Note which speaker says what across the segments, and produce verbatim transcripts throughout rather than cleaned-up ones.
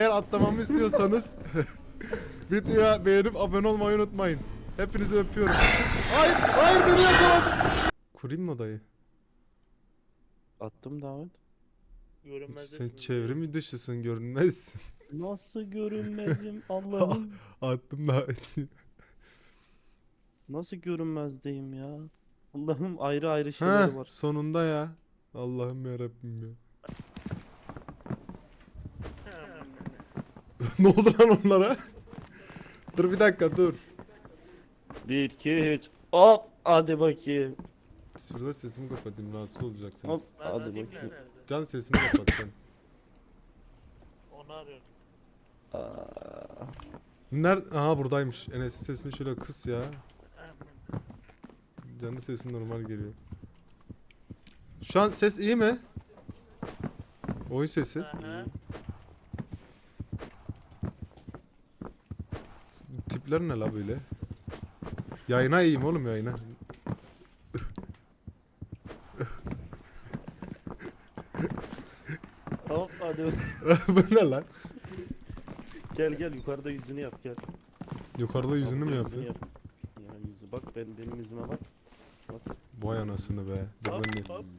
Speaker 1: Eğer atlamamı istiyorsanız videoya beğenip abone olmayı unutmayın. Hepinizi öpüyorum. Hayır, hayır beni yakaladı. Kurayım mı odayı?
Speaker 2: Attım davet.
Speaker 1: Sen çevrim dışısın, görünmezsin.
Speaker 2: Nasıl görünmezim Allah'ım?
Speaker 1: Attım da.
Speaker 2: Nasıl görünmezdeyim ya? Allah'ım ayrı ayrı şeyleri
Speaker 1: Ha,
Speaker 2: var.
Speaker 1: sonunda ya. Allah'ım ya Rabbim ya. Ne oldu lan onlara? Dur bir dakika dur.
Speaker 2: Bir, iki, üç. Hop hadi bakayım.
Speaker 1: Şurada sesimi kapatayım, rahatsız olacaksınız.
Speaker 2: Hop hadi bakayım.
Speaker 1: Can sesini kapat sen.
Speaker 3: Onu arıyorum.
Speaker 2: Aa,
Speaker 1: Nerede? Aha buradaymış. Enes'in sesini şöyle kıs ya. Can'ın sesi normal geliyor. Şu an ses iyi mi? Oyun sesi.
Speaker 3: Aha.
Speaker 1: Tipler ne la böyle? Yayına iyiyim oğlum, yayına.
Speaker 2: hop hadi bakayım.
Speaker 1: Bu ne lan?
Speaker 2: Gel gel yukarıda yüzünü yap gel.
Speaker 1: Yukarıda yüzünü mü
Speaker 2: Yüzünü
Speaker 1: yapıyor?
Speaker 2: yap. Ya yüzü bak ben benim yüzüme bak. Bak.
Speaker 1: Vay anasını be. Dur
Speaker 3: Hop,
Speaker 1: ben de.
Speaker 3: hop.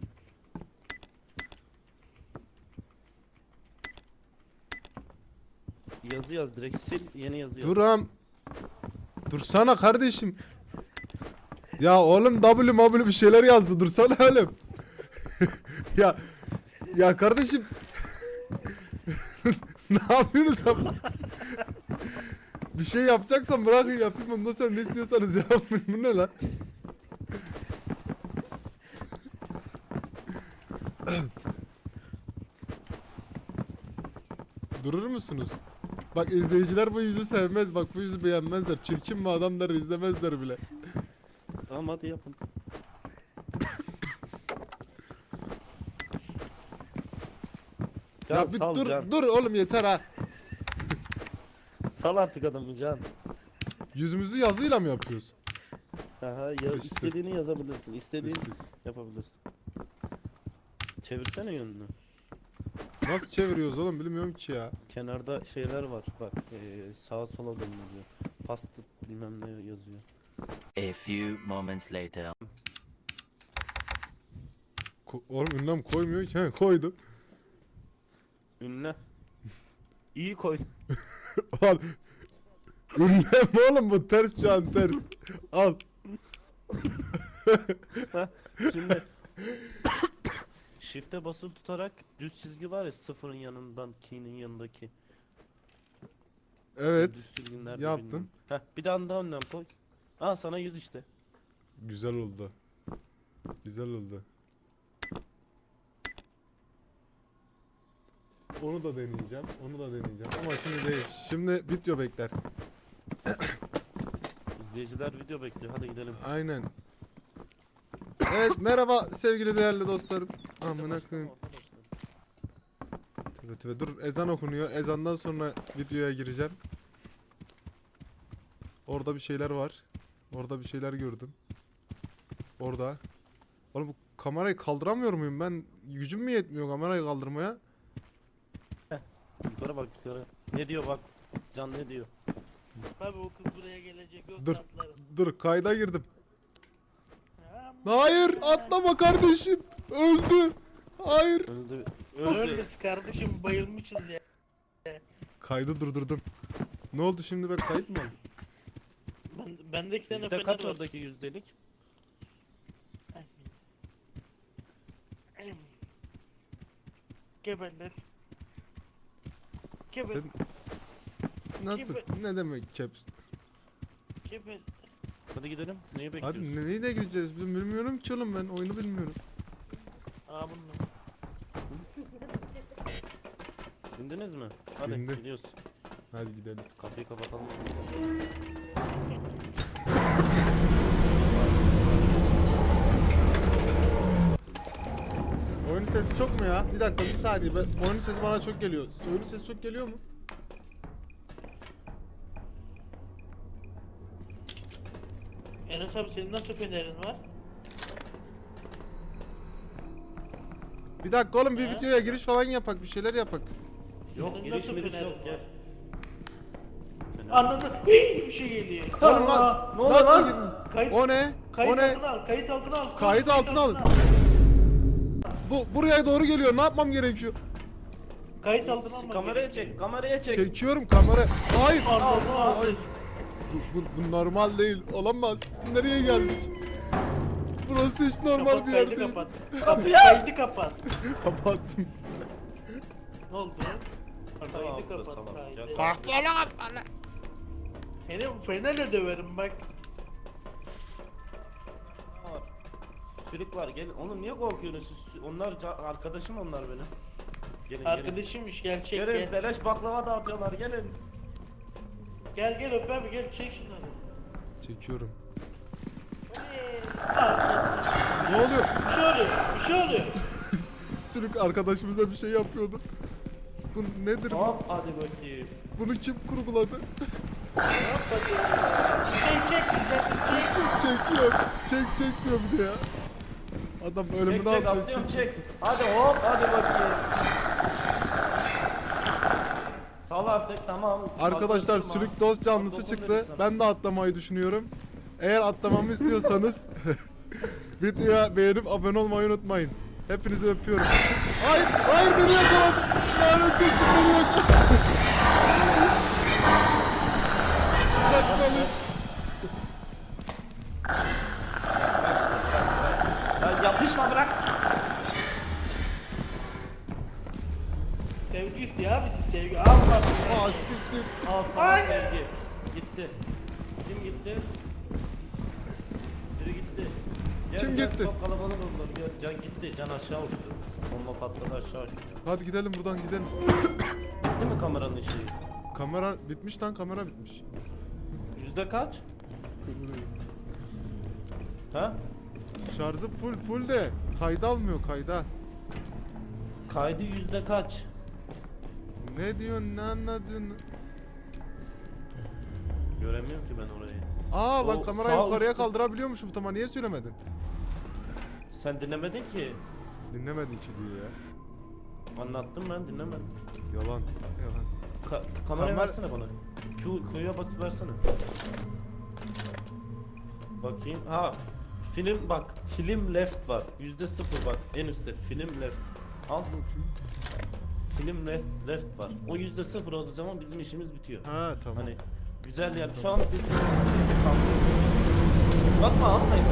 Speaker 2: Yazı yaz direkt sil yeni yazı yaz.
Speaker 1: Duram. Dursana kardeşim. Ya oğlum W W bir şeyler yazdı. Dursana oğlum. ya ya kardeşim. Ne yapıyorsunuz abi? Bir şey yapacaksan bırakın yapayım, ondan sonra ne istiyorsanız yapın. Bu ne lan? Durur musunuz? Bak izleyiciler bu yüzü sevmez, bak bu yüzü beğenmezler. Çirkin bir adam der, izlemezler bile.
Speaker 2: Tamam hadi yapın. Can,
Speaker 1: Ya bir
Speaker 2: sal
Speaker 1: dur
Speaker 2: Can.
Speaker 1: dur oğlum, yeter ha.
Speaker 2: Sal artık adamı Can.
Speaker 1: Yüzümüzü yazıyla mı yapıyoruz?
Speaker 2: Aha, ya,
Speaker 1: Sıçtık.
Speaker 2: istediğini yazabilirsin. İstediğini
Speaker 1: Sıçtık.
Speaker 2: yapabilirsin. Çevirsene yönünü.
Speaker 1: Nasıl çeviriyoruz oğlum, bilmiyorum ki ya.
Speaker 2: Kenarda şeyler var. Bak eee sağa sola dönüyor. Pasta bilmem ne yazıyor.
Speaker 4: A few moments later.
Speaker 1: Ko oğlum ünlem koymuyor ki. He, koydu.
Speaker 2: Ünle. İyi koy.
Speaker 1: Al. Ünlem oğlum, bu ters şu an, ters. Al.
Speaker 2: Şimdi Shift'e basılı tutarak düz çizgi var ya, sıfırın yanından key'nin yanındaki.
Speaker 1: Evet.
Speaker 2: Düz çizginin nerede
Speaker 1: yaptım.
Speaker 2: bilmiyorum. Heh, bir tane daha önlem koy. Aa sana yüz işte.
Speaker 1: Güzel oldu. Güzel oldu. Onu da deneyeceğim. Onu da deneyeceğim. Ama şimdi değil. Şimdi video bekler.
Speaker 2: İzleyiciler video bekliyor. Hadi gidelim.
Speaker 1: Aynen. Evet, merhaba sevgili değerli dostlarım. Amına koyayım. Tüve tüve, dur ezan okunuyor. Ezandan sonra videoya gireceğim. Orada bir şeyler var. Orada bir şeyler gördüm. Orada. Oğlum bu kamerayı kaldıramıyor muyum ben? Gücüm mü yetmiyor kamerayı kaldırmaya?
Speaker 2: Yukarı bak yukarı. Ne diyor bak. Can ne diyor?
Speaker 3: Tabii o kız buraya gelecek. Yok
Speaker 1: Dur.
Speaker 3: atlarım.
Speaker 1: Dur, kayda girdim.
Speaker 3: Aman.
Speaker 1: Hayır, atlama kardeşim. Öldü. Hayır.
Speaker 2: Öldü.
Speaker 3: Öldü.
Speaker 2: Öldü.
Speaker 3: Kardeşim bayılmışız ya.
Speaker 1: Kaydı durdurdum. Ne oldu şimdi, ben kayıt mı oldum?
Speaker 3: Ben, bende iki tane
Speaker 2: Yüzde
Speaker 3: fener
Speaker 2: kaç
Speaker 3: var.
Speaker 2: oradaki yüzdelik?
Speaker 3: Geberler. Geber.
Speaker 1: Sen nasıl? Ne demek caps?
Speaker 3: Geber.
Speaker 2: Hadi gidelim. Neyi bekliyorsun?
Speaker 1: Hadi nereye gideceğiz? Biz bilmiyorum ki oğlum, ben oyunu bilmiyorum.
Speaker 3: Aa bununla.
Speaker 2: Bindiniz mi? Hadi
Speaker 1: Bindim.
Speaker 2: gidiyoruz.
Speaker 1: Hadi gidelim.
Speaker 2: Kapıyı kapatalım.
Speaker 1: Oyunun sesi çok mu ya? Bir dakika, bir saniye. Ben, oyunun sesi bana çok geliyor. Oyunun sesi çok geliyor mu?
Speaker 3: Enes abi senin nasıl fenerin var?
Speaker 1: Bir dakika oğlum, bir
Speaker 3: He?
Speaker 1: videoya giriş falan yapak, bir şeyler yapak.
Speaker 2: Yok
Speaker 3: Senin
Speaker 2: giriş
Speaker 3: nasıl
Speaker 2: miriş
Speaker 3: fenerin
Speaker 2: yok
Speaker 3: var?
Speaker 2: gel. Fener.
Speaker 3: Anladın? Hii, bir şey geliyor.
Speaker 1: Oğlum
Speaker 3: Aa,
Speaker 1: lan.
Speaker 2: ne oluyor
Speaker 1: Nasıl
Speaker 2: lan?
Speaker 1: girdin?
Speaker 3: Kayıt,
Speaker 1: O ne?
Speaker 3: kayıt
Speaker 1: O ne?
Speaker 3: altına al, kayıt altına al. koş,
Speaker 1: Kayıt altına al. Bu buraya doğru geliyor. Ne yapmam gerekiyor?
Speaker 3: Kayıt altına al.
Speaker 2: Kameraya çek, kameraya çek.
Speaker 1: Çekiyorum kamera. Hayır.
Speaker 3: Anladın
Speaker 2: Al,
Speaker 3: abi.
Speaker 1: Bu, bu, bu normal değil. Olamaz. Nereye geldik? Burası hiç normal
Speaker 3: Kapat,
Speaker 1: bir yer
Speaker 3: kaydı
Speaker 1: değil.
Speaker 3: kapat. Kapıyı kaydı kapat.
Speaker 1: Kapattım.
Speaker 3: Ne oldu?
Speaker 2: Tamam,
Speaker 3: Kaydı kapat.
Speaker 2: tamam.
Speaker 3: kaydı.
Speaker 2: Gel.
Speaker 3: Seni fenerle döverim bak.
Speaker 2: Var. Sülük var gelin. Oğlum niye korkuyorsunuz siz? Onlar ca- arkadaşım onlar benim. Gelin gelin.
Speaker 3: Arkadaşımmış gel çek
Speaker 2: Gelin
Speaker 3: gel.
Speaker 2: beleş baklava dağıtıyorlar gelin.
Speaker 3: Gel gel öp abi gel çek şunları.
Speaker 1: Çekiyorum.
Speaker 3: Aa,
Speaker 1: Ne oluyor?
Speaker 3: Bir şey oluyor. Bir şey oluyor.
Speaker 1: Sülük arkadaşımıza bir şey yapıyordu. Bu nedir? bu?
Speaker 2: Hop hadi bakayım.
Speaker 1: Bunu kim kurguladı?
Speaker 3: Çek çek güzel çek.
Speaker 1: Çekiyor. Çek çek diyor bir de ya. Adam
Speaker 2: Çek
Speaker 1: ölümünü
Speaker 2: çek
Speaker 1: atlıyor.
Speaker 2: atlıyorum
Speaker 1: Çek.
Speaker 2: çek. Hadi hop hadi bakayım. Sal artık tamam.
Speaker 1: Arkadaşlar
Speaker 2: Fazla
Speaker 1: sülük
Speaker 2: ısırma.
Speaker 1: dost canlısı
Speaker 2: Dokun
Speaker 1: çıktı.
Speaker 2: dedim sana.
Speaker 1: Ben de atlamayı düşünüyorum. Eğer atlamamı istiyorsanız videoya beğenip abone olmayı unutmayın. Hepinizi öpüyorum. Hayır, hayır beni yakaladı. Lanet olsun beni yakaladı. Kaçmalıyım.
Speaker 2: Ya yapışma bırak.
Speaker 3: Sevgi istiyor abi siz sevgi. Al bak.
Speaker 1: Aa siktir.
Speaker 2: Al sana
Speaker 3: Ay.
Speaker 2: sevgi. Gitti. Kim gitti? Biri gitti. Gel,
Speaker 1: Kim
Speaker 2: gel,
Speaker 1: gitti?
Speaker 2: Çok kalabalık oldular. Gel, Can gitti. Can aşağı uçtu. Bomba patladı aşağı uçtu.
Speaker 1: Hadi gidelim buradan gidelim.
Speaker 2: Gitti mi kameranın ışığı?
Speaker 1: Kamera bitmiş lan, kamera bitmiş.
Speaker 2: Yüzde kaç? Ha?
Speaker 1: Şarjı full full de kayda almıyor, kayda.
Speaker 2: Kaydı yüzde kaç?
Speaker 1: Ne diyorsun, ne anlatıyorsun?
Speaker 2: Göremiyorum ki ben orayı.
Speaker 1: Aa lan
Speaker 2: O
Speaker 1: kamerayı
Speaker 2: sağ
Speaker 1: yukarıya
Speaker 2: üstte-
Speaker 1: kaldırabiliyormuşum, tamam niye söylemedin?
Speaker 2: Sen dinlemedin ki.
Speaker 1: Dinlemedin ki diyor ya.
Speaker 2: Anlattım ben dinlemedim.
Speaker 1: Yalan, yalan.
Speaker 2: Ka kamerayı
Speaker 1: Kamer-
Speaker 2: versene bana. Q, Q'ya basıp versene. Bakayım. Ha. Film bak. Film left var. Yüzde sıfır bak. En üstte. Film left. Al. Film left, left var. O yüzde sıfır olduğu zaman bizim işimiz bitiyor.
Speaker 1: Ha tamam.
Speaker 2: Hani güzel yer. Şu an bir bakma almayın.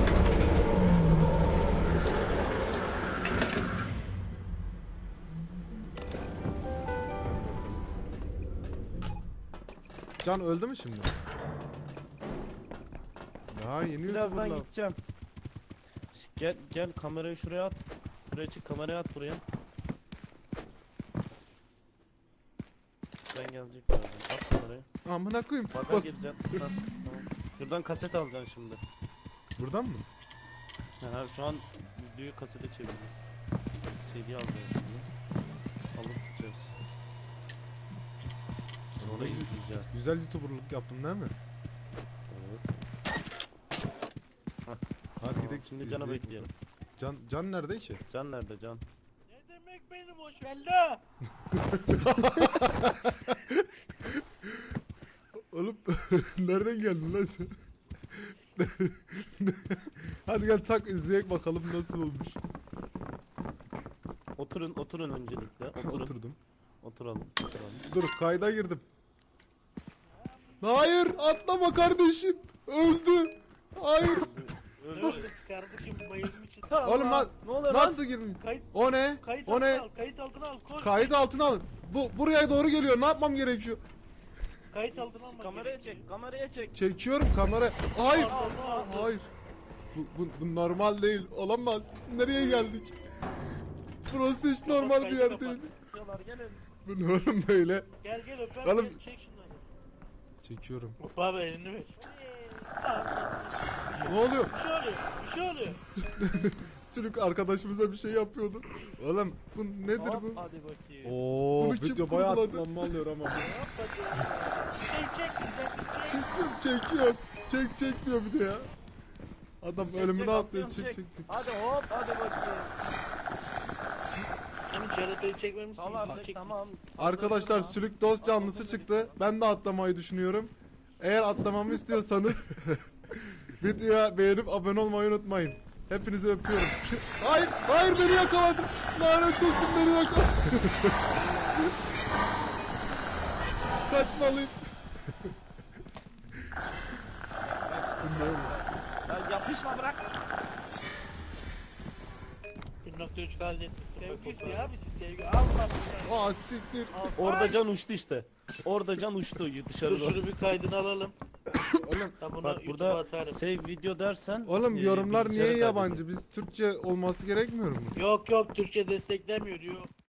Speaker 1: Can öldü mü şimdi? Ya yeni
Speaker 2: Birazdan
Speaker 1: YouTuber'lar.
Speaker 2: gideceğim. Gel gel kamerayı şuraya at. Şuraya çık kamerayı at buraya. Ben gelecek birazdan. At kamerayı.
Speaker 1: Amına koyayım.
Speaker 2: Baga
Speaker 1: Bak.
Speaker 2: gireceğim. Ha, tamam. Şuradan kaset alacaksın şimdi.
Speaker 1: Buradan mı?
Speaker 2: Ha, şu an videoyu kasete çeviriyorum. C D alacağız şimdi. Alıp gideceğiz. Sonra izleyeceğiz.
Speaker 1: Güzel YouTuber'lık yaptım değil mi?
Speaker 2: Evet.
Speaker 1: Hadi
Speaker 2: Tamam,
Speaker 1: gidelim.
Speaker 2: şimdi Can'a
Speaker 1: izleyelim.
Speaker 2: bekleyelim.
Speaker 1: Can, Can nerede ki?
Speaker 2: Can nerede Can?
Speaker 3: Ne demek benim hoş valla?
Speaker 1: Oğlum nereden geldin lan sen? Hadi gel tak izleyek bakalım nasıl olmuş.
Speaker 2: Oturun oturun öncelikle. Oturun.
Speaker 1: Oturdum.
Speaker 2: Oturalım. Oturalım.
Speaker 1: Dur kayda girdim. Hayır atlama kardeşim. Öldü. Hayır.
Speaker 2: Öyle.
Speaker 3: Öldü kardeşim bayılmış.
Speaker 1: Oğlum lan
Speaker 2: Ne oluyor lan?
Speaker 1: nasıl girdin?
Speaker 3: Kayıt,
Speaker 1: O ne?
Speaker 3: kayıt
Speaker 1: O
Speaker 3: altına
Speaker 1: ne?
Speaker 3: al, kayıt altına al, koş.
Speaker 1: Kayıt altına alın. Bu buraya doğru geliyor. Ne yapmam gerekiyor?
Speaker 3: Kayıt altına alma.
Speaker 2: Kameraya çek, kameraya çek.
Speaker 1: Çekiyorum kamera. Hayır.
Speaker 3: Al, al, al.
Speaker 1: Hayır. Bu, bu, bu normal değil. Olamaz. Nereye geldik? Burası hiç normal bir yer değil.
Speaker 2: Diyorlar gelin.
Speaker 1: Bu ne oğlum böyle?
Speaker 3: Gel gel öp abi
Speaker 1: Oğlum.
Speaker 3: gel, çek şunları.
Speaker 1: Çekiyorum.
Speaker 3: Öp abi elini ver.
Speaker 1: Ne oluyor?
Speaker 3: Bir şey oluyor, bir şey oluyor.
Speaker 1: Sülük arkadaşımıza bir şey yapıyordu. Oğlum bu nedir
Speaker 2: Hop,
Speaker 1: bu?
Speaker 2: hadi bakayım.
Speaker 1: Oo,
Speaker 3: Bunu
Speaker 1: video bayağı tıklanma alıyor ama.
Speaker 3: Çek çek güzel çek.
Speaker 1: Çekiyorum, çekiyorum. Çek çek diyor bir de ya. Adam
Speaker 2: Çek,
Speaker 1: ölümüne
Speaker 2: çek,
Speaker 1: atlıyor.
Speaker 2: atlıyorum,
Speaker 1: Çek
Speaker 2: çek.
Speaker 1: çek.
Speaker 2: Hadi hop hadi bakayım.
Speaker 3: Seni çek. yaratayı çekmemişsin.
Speaker 2: Sal artık
Speaker 3: Çek-
Speaker 2: tamam.
Speaker 1: Arkadaşlar sülük dost canlısı çıktı. Ben de atlamayı düşünüyorum. Eğer atlamamı istiyorsanız videoya beğenip abone olmayı unutmayın. Hepinizi öpüyorum. Hayır, hayır beni yakaladı. Lanet olsun beni yakaladı. Kaçmalıyım.
Speaker 2: Ya yapışma bırak.
Speaker 3: bir nokta üç kaldı. Sevgisi ya bizi sevgi. Allah
Speaker 1: Aa siktir.
Speaker 2: Orada can uçtu işte. Orada can uçtu
Speaker 3: Dur
Speaker 2: dışarı doğru.
Speaker 3: şunu bir kaydını alalım.
Speaker 1: Oğlum,
Speaker 3: Ben bunu
Speaker 2: Bak
Speaker 3: YouTube'a
Speaker 2: burada
Speaker 3: atarım.
Speaker 2: save video dersen.
Speaker 1: oğlum
Speaker 2: e,
Speaker 1: yorumlar
Speaker 2: bilgisayarı
Speaker 1: niye yabancı?
Speaker 2: kaydediyor.
Speaker 1: Biz Türkçe olması gerekmiyor mu?
Speaker 3: Yok yok Türkçe desteklemiyor diyor.